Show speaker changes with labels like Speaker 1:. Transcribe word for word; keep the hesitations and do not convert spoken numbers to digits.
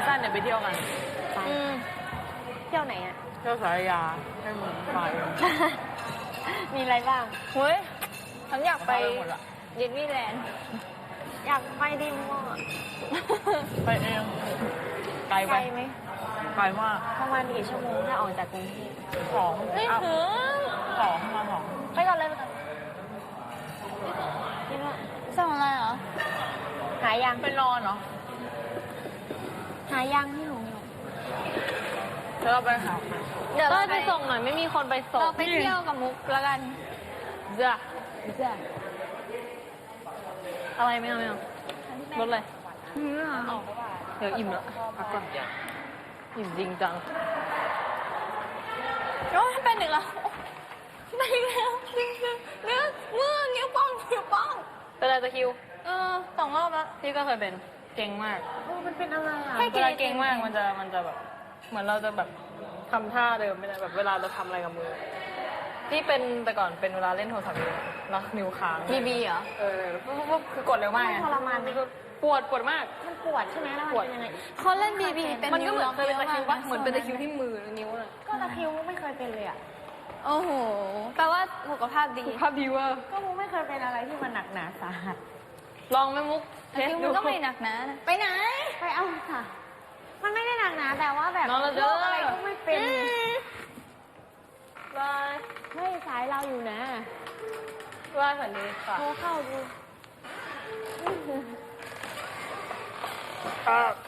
Speaker 1: สั้นๆเดี๋ยวไปเที่ยวกัน
Speaker 2: ไปเที่ยวไหนอ่ะ
Speaker 1: เที่ยวสารยาให้มึงไป
Speaker 2: มีอะไรบ้าง
Speaker 3: เฮ้ยฉันอยากไป
Speaker 1: หมดละ
Speaker 3: เยนวี่แลนด์
Speaker 2: อยากไปดิมอ่ะ
Speaker 1: ไปเองไกล
Speaker 2: ไก
Speaker 1: ไป
Speaker 2: ลไหม
Speaker 1: ไกลมาก
Speaker 2: ประมาณกี่ชั่วโมงถ้าออกจากกรุงเทพ
Speaker 1: สอง
Speaker 3: ไม่
Speaker 1: อ่ะ
Speaker 3: ถึง
Speaker 1: สองมาสอง
Speaker 3: ไปก่อนเลยไปก่อน
Speaker 2: นี่ว่า
Speaker 3: สั่งอะไรเหรอ
Speaker 2: หายัง
Speaker 1: ไปนอนเหรอ
Speaker 2: หายังพี่หนู
Speaker 1: แล้วเราไปหา
Speaker 3: เดี๋ยว
Speaker 2: เต้
Speaker 3: เรา
Speaker 2: ยไปส่งหน่อยไม่มีคนไปส่ง
Speaker 3: เราไปเที่ยวกับมุกแล้วกัน
Speaker 1: จ้ะ
Speaker 2: จ้ะ
Speaker 3: อะไรไม่เอาไม่เอารถเลย
Speaker 1: เอา
Speaker 3: เดี๋ยวอิ่มแล้วพักก่อนอิ่มจริงจังโอ้ยเป็นอีกแล้วไปอีกแล้วจริงจังเนื้อมือนิ้วโป้งนิ้วโป้งเป็นอะไรตะคริว เออสองรอบแล้วพี่ก็เคยเป็นเก่งมาก
Speaker 2: เออมันเป็นอะไรอ่ะ
Speaker 3: เวลาเก่งมากมันจะมันจะแบบ เหมือนเราจะแบบทำท่าเดิมไม่ได้แบบเวลาเราทำอะไรกับมือ ที่เป็นแต่ก่อนเป็นเวลาเล่นโทรศัพท์แล้วนิ้วค้าง
Speaker 2: บีบีเหรอ
Speaker 3: เออปุ๊บปุ๊บคือกดเร็วมากไง
Speaker 2: ทรมานไหม
Speaker 3: ปวดปวดมาก
Speaker 2: มันปวดใช่ไหมแล้วมันเป็นยังไง
Speaker 3: เขาเล่นบีบีเป็นมันก็เหมือนเคยเป็นตะคริวปะเหมือนเป็นตะคริวที่มือนิ้วน่ะ
Speaker 2: ก็ตะคริวไม่เคยเป็นเลยอ่ะ
Speaker 3: โอ้โหแปลว่าสุขภาพดีสุขภาพดีว่า
Speaker 2: ก็มูไม่เคยเป็นอะไรที่มันหนักหนาสาหัส
Speaker 3: ลองไหมมุกเทสดูก็ไม่หนักนะไปไหน
Speaker 2: ไปเอาค่ะ มันไม่ได้หนักหนาแต่ว่าแบบ
Speaker 3: นอนแล้วเด้
Speaker 2: โร
Speaker 3: อ
Speaker 2: คอะไรก็ไม่เป็น
Speaker 3: บาย
Speaker 2: เฮ้ยสายเราอยู่นะ
Speaker 3: บายฝันดีค่ะ
Speaker 2: โทรเข้าดู
Speaker 3: ครับ